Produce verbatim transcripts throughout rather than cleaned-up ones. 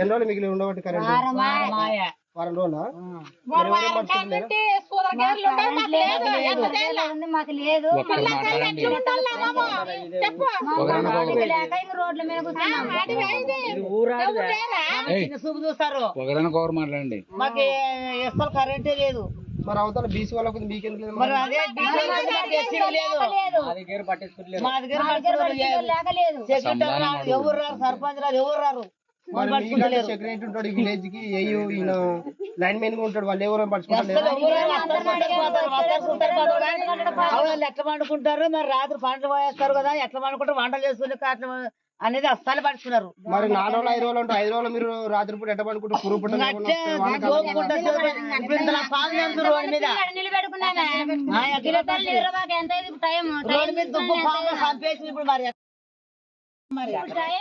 ఎన్ని రోజులు మిగిలి ఉండబట్టి కరెంట్ వారం రోజులా మాకు లేదు రోడ్ల మీద చూస్తారు మాట్లాడండి మాకు ఎస్ఎల్ కరెంటే లేదు మరి అవతల బీసీ వాళ్ళకు మీకెందుకు లేదు మరి అదే మా దగ్గర ఎవరు రారు సర్పంచ్ రారు ఎవరు రారు సెక్రటరీ ఉంటాడు విలేజ్ కి ఈయన లైన్ మెయిన్ గా ఉంటాడు వాళ్ళు ఎవరు పడుచుకుంటారు ఎట్లా పండుకుంటారు మరి రాత్రి పంటలు పోయేస్తారు కదా ఎట్లా పండుకుంటారు వంటలు చేసుకుని అట్లా అనేది అస్సలు పడుతున్నారు మరి నాలుగు రోజులు ఐదు రోజులు ఉంటారు ఐదు రోజులు మీరు రాత్రి పూట ఎట్ట పడుకుంటారు పురుగు పుట్ట ఇప్పుడు మరి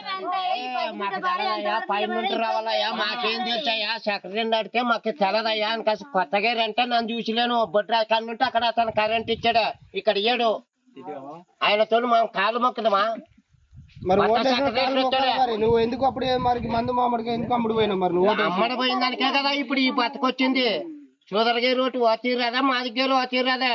పైన రావాలయ్యా మాకేం తెలుసాయా సెక్రటరీ అడిగితే మాకు తెలదయ్యా అని కాసి కొత్తగా అంటే నన్ను చూసిలేను బొడ్డు అక్కడ నుండి అక్కడ అతను కరెంట్ ఇచ్చాడు ఇక్కడ ఇయ్యాడు ఆయనతో మనం కాలు మొక్కదమా మరి నువ్వు ఎందుకు అప్పుడే మరి మందు మామిడిగా ఎందుకు అమ్ముడు పోయినావు మరి నువ్వు అమ్మడి పోయిన దానికే కదా ఇప్పుడు ఈ బతకొచ్చింది చూదరగే రోడ్డు వచ్చి రాదా మా దగ్గర వచ్చి రాదా